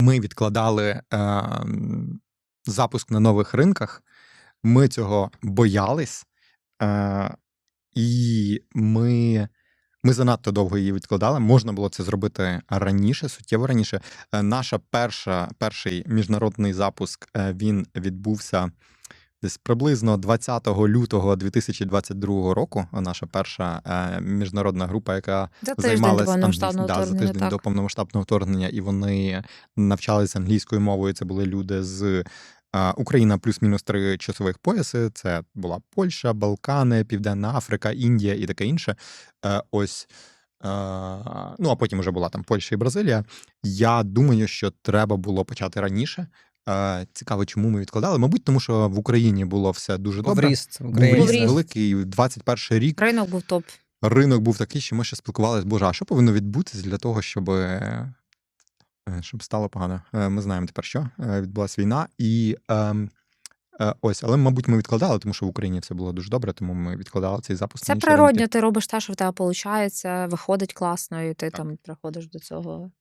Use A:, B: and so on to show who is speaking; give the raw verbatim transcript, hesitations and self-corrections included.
A: Ми відкладали е, запуск на нових ринках, ми цього боялись, е, і ми, ми занадто довго її відкладали. Можна було це зробити раніше, суттєво раніше. Е, наша перша, перший міжнародний запуск, е, він відбувся десь приблизно двадцятого лютого дві тисячі двадцять другого року. Наша перша е, міжнародна група, яка
B: За тиждень до
A: займалася
B: повномасштабного
A: да, за
B: вторгнення,
A: тиждень до
B: так.
A: повномасштабного вторгнення, і вони навчалися англійською мовою. Це були люди з е, Україна плюс-мінус три часових пояси. Це була Польща, Балкани, Південна Африка, Індія і таке інше. Е, ось. Е, ну, а потім вже була там Польща і Бразилія. Я думаю, що треба було почати раніше. Е, Цікаво, чому ми відкладали. Мабуть, тому що в Україні було все дуже добре.
C: Вріст в
A: Був
C: Україні.
A: ріст
B: Був ріст.
A: великий, двадцять перший рік.
B: Ринок був топ.
A: Ринок був такий, що ми ще спілкувалися, боже, а що повинно відбутися для того, щоб, е, щоб стало погано? Е, Ми знаємо тепер, що Е, відбулася війна. І ем, е, ось, але, мабуть, ми відкладали, тому що в Україні все було дуже добре, тому ми відкладали цей запуск.
B: Це
A: на інші ринки.
B: природньо, ти робиш те, що в тебе виходить, виходить класно, і ти там приходиш до цього.